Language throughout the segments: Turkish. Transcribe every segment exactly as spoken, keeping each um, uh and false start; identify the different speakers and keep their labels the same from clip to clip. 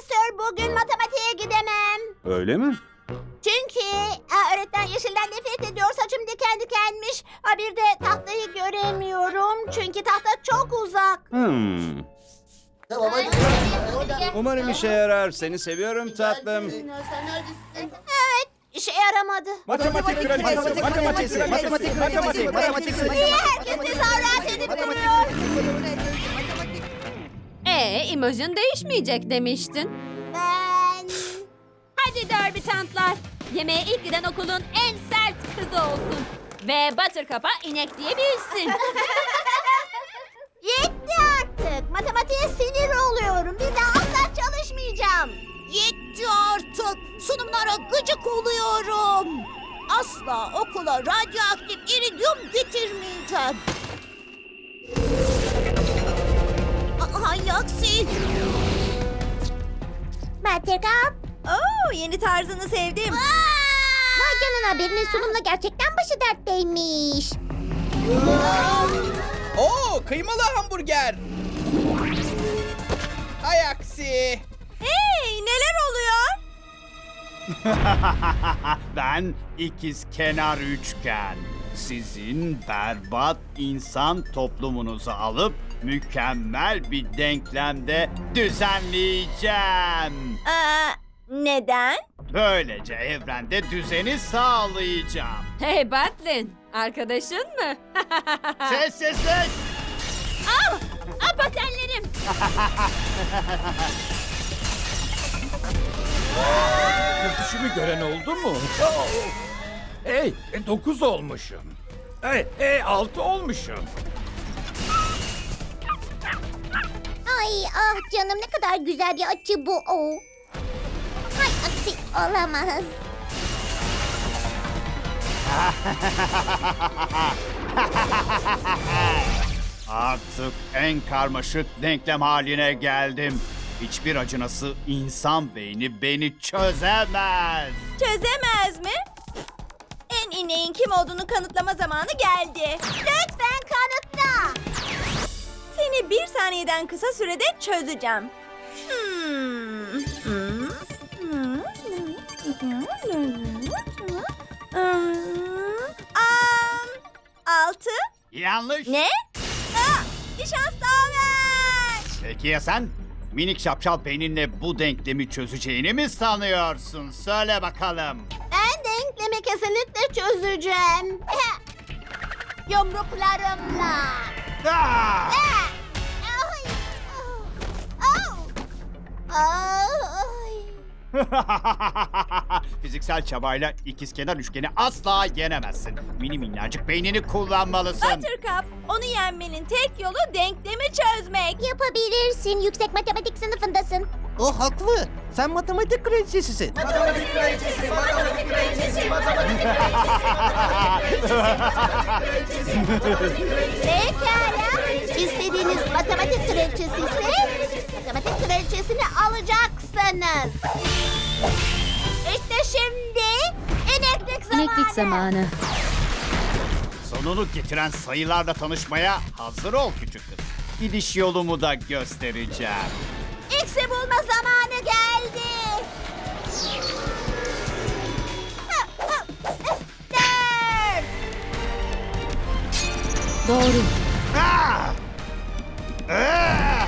Speaker 1: Profesör, bugün matematiğe gidemem.
Speaker 2: Öyle mi?
Speaker 1: Çünkü aa, öğretmen yeşilden nefret ediyor. Saçım diken dikenmiş. Ha, bir de tahtayı göremiyorum. Çünkü tahta çok uzak.
Speaker 2: Hmm.
Speaker 3: Tamam hadi.
Speaker 2: Umarım işe yarar. Seni seviyorum tatlım.
Speaker 1: Evet, işe yaramadı.
Speaker 2: Matematik kraliçesi, matematik, matematik, matematik, matematik.
Speaker 1: Niye herkes tezahürat edip duruyor?
Speaker 4: Ee, imajın değişmeyecek demiştin.
Speaker 1: Ben...
Speaker 4: Hadi derbitantlar. Yemeğe ilk giden okulun en sert kızı olsun. Ve Buttercup'a inek diyebilsin.
Speaker 1: Yetti artık. Matematiğe sinir oluyorum. Bir daha asla çalışmayacağım.
Speaker 5: Yetti artık. Sunumlara gıcık oluyorum. Asla okula radyoaktif iridyum getirmeyeceğim. A- Hay aksi.
Speaker 1: Buttercup.
Speaker 5: Oo, yeni tarzını sevdim.
Speaker 1: Vay canına, birinin sunumla gerçekten başı dertteymiş.
Speaker 6: Oo, kıymalı hamburger. Hay aksi.
Speaker 5: Hey, neler oluyor?
Speaker 2: Ben ikiz kenar üçgen. Sizin berbat insan toplumunuzu alıp mükemmel bir denklemde düzenleyeceğim.
Speaker 5: Aa, neden?
Speaker 2: Böylece evrende düzeni sağlayacağım.
Speaker 4: Hey Batlin, arkadaşın mı?
Speaker 2: Sessizlik!
Speaker 4: Al, al patenlerim.
Speaker 7: Düşümü gören oldu mu? Hey, e, dokuz olmuşum. Hey, hey, altı olmuşum.
Speaker 1: Ay ah canım, ne kadar güzel bir açı bu. Oh. Hay aksi, olamaz.
Speaker 2: Artık en karmaşık denklem haline geldim. Hiçbir acınası insan beyni beni çözemez.
Speaker 5: Çözemez mi? En ineğin kim olduğunu kanıtlama zamanı geldi.
Speaker 1: Lütfen kanıtla.
Speaker 5: Seni bir saniyeden kısa sürede çözeceğim. Hmm. Hmm. Hmm. Hmm. Am, altı.
Speaker 2: Yanlış.
Speaker 5: Ne? Aa, bir şans daha ver.
Speaker 2: Peki ya sen? Minik şapşal beyninle bu denklemi çözeceğini mi sanıyorsun? Söyle bakalım.
Speaker 1: Ben denklemi kesinlikle çözeceğim. Yumruklarımla.
Speaker 2: Ah!
Speaker 1: Ah! Ay! Ah! Ah! Ay!
Speaker 2: Fiziksel çabayla ikizkenar üçgeni asla yenemezsin. Mini minnacık beynini kullanmalısın.
Speaker 5: Buttercup, onu yenmenin tek yolu denklemi çözmek.
Speaker 1: Yapabilirsin. Yüksek matematik sınıfındasın.
Speaker 3: O haklı. Sen matematik kraliçesisin.
Speaker 1: Pekala. İstediğiniz matematik kraliçesi ise matematik kraliçesini alacaksınız. İşte şimdi ineklik zamanı.
Speaker 4: İneklik zamanı.
Speaker 2: Sonunu getiren sayılarla tanışmaya hazır ol küçük kız. Gidiş yolumu da göstereceğim.
Speaker 1: X'i bulma zamanı geldi. Dört.
Speaker 4: Doğru.
Speaker 2: Ah! Ah!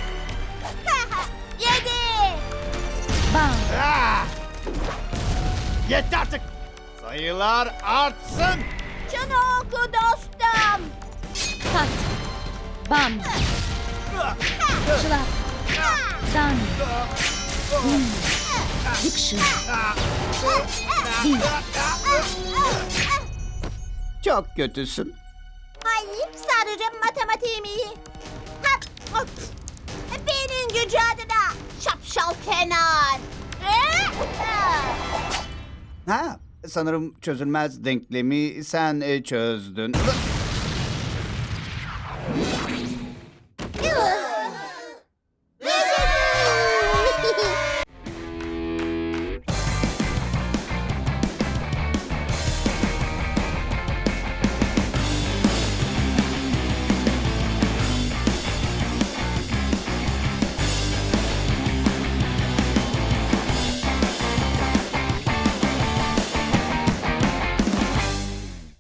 Speaker 1: Yedi.
Speaker 4: Bam.
Speaker 2: Ah! Yetti artık. Sayılar artsın.
Speaker 1: Şunu oku dostum.
Speaker 4: Pat. Bam. Şılap. Dan. Bum. Diction. Bil.
Speaker 2: Çok kötüsün.
Speaker 1: Hayır, sadece matematiğim iyi. Hap, hop. Benim gücü adına şapşal kenar.
Speaker 2: Ha, sanırım çözülmez denklemi sen e, çözdün.